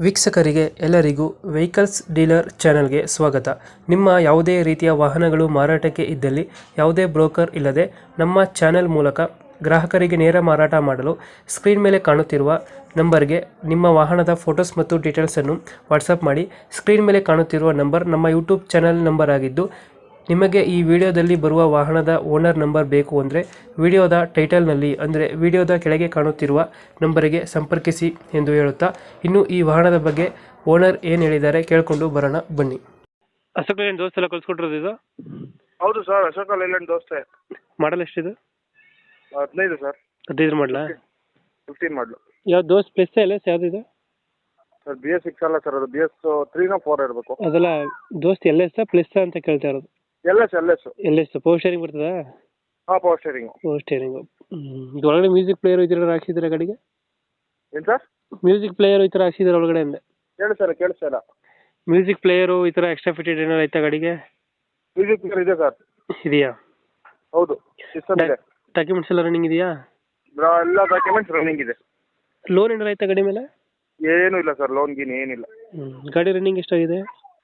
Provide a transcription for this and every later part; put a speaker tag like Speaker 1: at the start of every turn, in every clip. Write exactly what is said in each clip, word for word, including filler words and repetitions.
Speaker 1: ವೀಕ್ಷಕರಿಗೆ ಎಲ್ಲರಿಗೂ vehicles dealer ಚಾನೆಲ್ಗೆ ಸ್ವಾಗತ. ನಿಮ್ಮ ಯಾವುದೇ ರೀತಿಯ ವಾಹನಗಳು ಮಾರಾಟಕ್ಕೆ ಇದ್ದಲ್ಲಿ ಯಾವುದೇ ಬ್ರೋಕರ್ ಇಲ್ಲದೆ ನಮ್ಮ ಚಾನೆಲ್ ಮೂಲಕ ಗ್ರಾಹಕರಿಗೆ ನೇರ ಮಾರಾಟ ಮಾಡಲು ಸ್ಕ್ರೀನ್ ಮೇಲೆ ಕಾಣುತ್ತಿರುವ ನಂಬರ್ಗೆ ನಿಮ್ಮ ವಾಹನದ ಫೋಟೋಸ್ ಮತ್ತು ಡೀಟೇಲ್ಸನ್ನು ವಾಟ್ಸಪ್ ಮಾಡಿ. ಸ್ಕ್ರೀನ್ ಮೇಲೆ ಕಾಣುತ್ತಿರುವ ನಂಬರ್ ನಮ್ಮ ಯೂಟ್ಯೂಬ್ ಚಾನೆಲ್ ನಂಬರ್ ಆಗಿದ್ದು, ನಿಮಗೆ ಈ ವಿಡಿಯೋದಲ್ಲಿ ಬರುವ ವಾಹನದ ಓನರ್ ನಂಬರ್ ಬೇಕು ಅಂದರೆ ವಿಡಿಯೋದ ಟೈಟಲ್ನಲ್ಲಿ ಅಂದರೆ ವಿಡಿಯೋದ ಕೆಳಗೆ ಕಾಣುತ್ತಿರುವ ನಂಬರಿಗೆ ಸಂಪರ್ಕಿಸಿ ಎಂದು ಹೇಳುತ್ತಾ, ಇನ್ನು ಈ ವಾಹನದ ಬಗ್ಗೆ ಓನರ್ ಏನು ಹೇಳಿದ್ದಾರೆ ಕೇಳಿಕೊಂಡು ಬರೋಣ ಬನ್ನಿ. ಅಶೋಕ್ ಲೇಲ್ಯಾಂಡ್ ದೋಸ್ತ್ ಎಲ್ಲ ಕಳ್ಸ್ಕೊಟ್ಟಿರೋದು ಇದು?
Speaker 2: ಹೌದು ಸರ್, ಅಶೋಕ ಲೇಲ್ಯಾಂಡ್ ದೋಸ್ತೆ.
Speaker 1: ಮಾಡಲ್ ಎಷ್ಟಿದೆ?
Speaker 2: ಹದಿನೈದು ಸರ್.
Speaker 1: ಹದಿನೈದು ಮಾಡಲಾ?
Speaker 2: Fifteen model.
Speaker 1: ಯಾವ ದೋಸ್ತ್ ಪ್ಲಸ್ ಎಲ್ ಎಸ್ ಯಾವುದಿದೆ
Speaker 2: ಸರ್? ಬಿ ಎಸ್ ಸಿಕ್ಸ್ ಅಲ್ಲ ಸರ್, ಅದು ಬಿ ಎಸ್ ತ್ರೀನೋ ಫೋರ್ ಇರಬೇಕು.
Speaker 1: ಅದೆಲ್ಲ ದೋಸ್ತ್ ಎಲ್ ಎಸ್ ಪ್ಲಸ್ ಅಂತ ಕೇಳ್ತಾ ಇರೋದು.
Speaker 2: L S L S
Speaker 1: L S power steering ಬರ್ತದಾ?
Speaker 2: ಹಾಂ, ಪವರ್ ಸ್ಟೇರಿಂಗು.
Speaker 1: Power steering. ಇದು ಒಳಗಡೆ ಮ್ಯೂಸಿಕ್ ಪ್ಲೇಯರ್ ಈ ಥರ ಹಾಕ್ಸಿದ್ರೆ ಗಾಡಿಗೆ?
Speaker 2: ಏನು ಸರ್?
Speaker 1: ಮ್ಯೂಸಿಕ್ ಪ್ಲೇಯರ್ ಈ ಥರ ಹಾಕ್ಸಿದ್ರೆ ಒಳಗಡೆ ಅಂದೆ.
Speaker 2: ಹೇಳಿ ಸರ್, ಕೇಳಿಸ್ತಾ ಇಲ್ಲ.
Speaker 1: ಮ್ಯೂಸಿಕ್ ಪ್ಲೇಯರು ಈ ಥರ ಎಕ್ಸ್ಟ್ರಾ ಫಿಟೆಡ್ ಏನಾರು ಆಯ್ತಾ ಗಾಡಿಗೆ?
Speaker 2: ಮ್ಯೂಸಿಕ್ ಪ್ಲೇಯರ್ ಇದೆ ಸರ್.
Speaker 1: ಇದೆಯಾ?
Speaker 2: ಹೌದು, ಸಿಸ್ಟಮ್ ಇದೆ.
Speaker 1: ಡಾಕ್ಯುಮೆಂಟ್ಸ್ ಎಲ್ಲ ರನ್ನಿಂಗ್ ಇದೆಯಾ?
Speaker 2: ಬ್ರಾ- ಎಲ್ಲ ಡಾಕ್ಯುಮೆಂಟ್ಸ್ ರನ್ನಿಂಗ್ ಇದೆ.
Speaker 1: ಲೋನ್ ಏನಾರು ಆಯ್ತಾ ಗಾಡಿ ಮೇಲೆ?
Speaker 2: ಏನೂ ಇಲ್ಲ ಸರ್, ಲೋನ್ ಗೀನ್ ಏನಿಲ್ಲ.
Speaker 1: ಹ್ಞೂ. ಗಾಡಿ ರನ್ನಿಂಗ್ ಎಷ್ಟಾಗಿದೆ?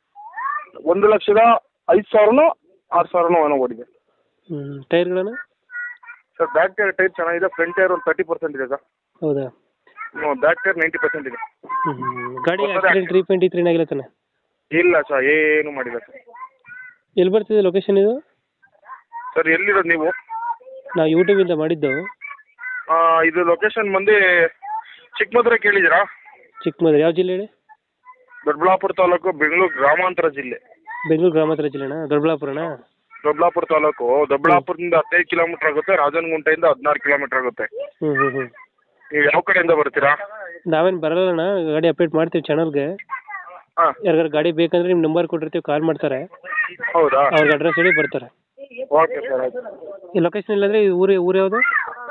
Speaker 2: ಒಂದು ಲಕ್ಷದ ಐದು ಸಾವಿರನೋ ಆರು ಸಾವಿರನೋ ಏನೋ ಓಡಿದೆ.
Speaker 1: ಹ್ಞೂ. ಟೈರ್ಗಳನ್ನು?
Speaker 2: ಸರ್, ಬ್ಯಾಕ್ ಟೈರ್ ಟೈರ್ ಚೆನ್ನಾಗಿದೆ. ಫ್ರಂಟ್ ಟೈರ್ ಒಂದು ತರ್ಟಿ ಪರ್ಸೆಂಟ್ ಇದೆ ಸರ್.
Speaker 1: ಹೌದಾ?
Speaker 2: ಬ್ಯಾಕ್ ಟೈರ್ ನೈಂಟಿ ಪರ್ಸೆಂಟ್ ಇದೆ.
Speaker 1: ಹ್ಞೂ. ಗಾಡಿ ಆಕ್ಸಿಡೆಂಟ್ ರೀಪೇಂಟ್ ಈ ಥರ ಏನಾಗಿಲ್ಲ ತಾನೆ?
Speaker 2: ಇಲ್ಲ ಸರ್, ಏನು ಮಾಡಿಲ್ಲ ಸರ್.
Speaker 1: ಎಲ್ಲಿ ಬರ್ತಿದೆ ಲೊಕೇಶನ್ ಇದು?
Speaker 2: ಸರ್, ಎಲ್ಲಿರೋದು ನೀವು?
Speaker 1: ನಾವು ಯೂಟ್ಯೂಬಿಂದ ಮಾಡಿದ್ದು.
Speaker 2: ಆ, ಇದು ಲೊಕೇಶನ್ ಬಂದು ಚಿಕ್ಕಮದುರೆ ಕೇಳಿದ್ದೀರಾ?
Speaker 1: ಚಿಕ್ಕಮಗಳೂರು ಯಾವ ಜಿಲ್ಲೆ ಹೇಳಿ?
Speaker 2: ದೊಡ್ಡಬಳ್ಳಾಪುರ ತಾಲೂಕು, ಬೆಂಗಳೂರು ಗ್ರಾಮಾಂತರ ಜಿಲ್ಲೆ.
Speaker 1: ಬೆಂಗಳೂರು ಗ್ರಾಮಾಂತರ ಜಿಲ್ಲೆನಾ? ದೊಡ್ಡಬಳ್ಳಾಪುರನಾ?
Speaker 2: ದೊಡ್ಡಬಳ್ಳಾಪುರ ತಾಲೂಕು. ದೊಡ್ಡಬಳ್ಳಾಪುರದಿಂದ ಹದಿನೈದು ಕಿಲೋಮೀಟರ್ ಆಗುತ್ತೆ, ರಾಜನಗುಂಟೆಯಿಂದ ಹದಿನಾರು ಕಿಲೋಮೀಟರ್ ಆಗುತ್ತೆ.
Speaker 1: ಹ್ಞೂ ಹ್ಞೂ ಹ್ಞೂ.
Speaker 2: ನೀವು ಯಾವ ಕಡೆಯಿಂದ ಬರ್ತೀರಾ?
Speaker 1: ನಾವೇನು ಬರಲ್ಲಣ್ಣ, ಗಾಡಿ ಅಪ್ಡೇಟ್ ಮಾಡ್ತೀವಿ ಚಾನಲ್ಗೆ.
Speaker 2: ಹಾಂ.
Speaker 1: ಯಾರಿಗಾರು ಗಾಡಿ ಬೇಕಂದ್ರೆ ನಿಮ್ಮ ನಂಬರ್ ಕೊಟ್ಟಿರ್ತೀವಿ, ಕಾಲ್ ಮಾಡ್ತಾರೆ.
Speaker 2: ಹೌದಾ?
Speaker 1: ಅವ್ರಿಗೆ ಅಡ್ರೆಸ್ ಹೇಳಿ ಬರ್ತಾರೆ.
Speaker 2: ಓಕೆ ಸರ್, ಆಯ್ತು.
Speaker 1: ಈ ಲೊಕೇಶನ್ ಇಲ್ಲಾಂದ್ರೆ ಈ ಊರು ಊರು ಯಾವುದು?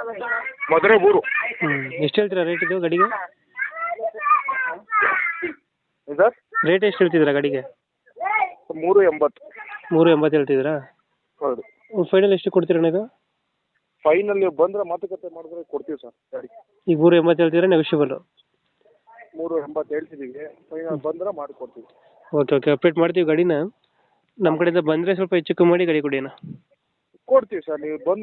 Speaker 2: ಮಧುರೆ ಊರು.
Speaker 1: ಹ್ಞೂ. ಎಷ್ಟು ಹೇಳ್ತೀರಾ ರೇಟ್ ಇದು ಗಾಡಿಗೆ?
Speaker 2: ಸರ್,
Speaker 1: ರೇಟ್ ಎಷ್ಟು ಹೇಳ್ತಿದ್ದೀರಾ ಗಾಡಿಗೆ?
Speaker 2: ಮೂರು ಎಂಬತ್ತು.
Speaker 1: ಮೂರು ಎಂಬತ್ತು ಹೇಳ್ತಿದ್ದೀರಾ?
Speaker 2: ಹೌದು.
Speaker 1: ಫೈನಲ್ ಎಷ್ಟು ಕೊಡ್ತೀರಣ್ಣ ಇದು?
Speaker 2: ಫೈನಲ್ ನೀವು ಬಂದರೆ ಮಾತುಕತೆ ಮಾಡಿದ್ರೆ ಕೊಡ್ತೀವಿ ಸರ್ ಗಾಡಿ.
Speaker 1: ಈಗ ಮೂರು ಎಂಬತ್ತು ಹೇಳ್ತಿದ್ದೀರಾ, ನೆಗೋಷಿಯಬಲ್ಲು?
Speaker 2: ಮೂರು ಎಂಬತ್ತು ಹೇಳ್ತಿದ್ದೀವಿ, ಫೈನಲ್ ಬಂದರೆ ಮಾಡಿಕೊಡ್ತೀವಿ.
Speaker 1: ಓಕೆ ಓಕೆ, ಅಪ್ಡೇಟ್ ಮಾಡ್ತೀವಿ ಗಾಡಿನ. ನಮ್ಮ ಕಡೆಯಿಂದ ಬಂದರೆ ಸ್ವಲ್ಪ ಹೆಚ್ಚು ಕಮ್ಮಿ ಮಾಡಿ ಗಾಡಿ ಕೊಡಿ ಅಣ್ಣ.
Speaker 2: ಕೊಡ್ತೀವಿ ಸರ್, ನೀವು ಬಂದು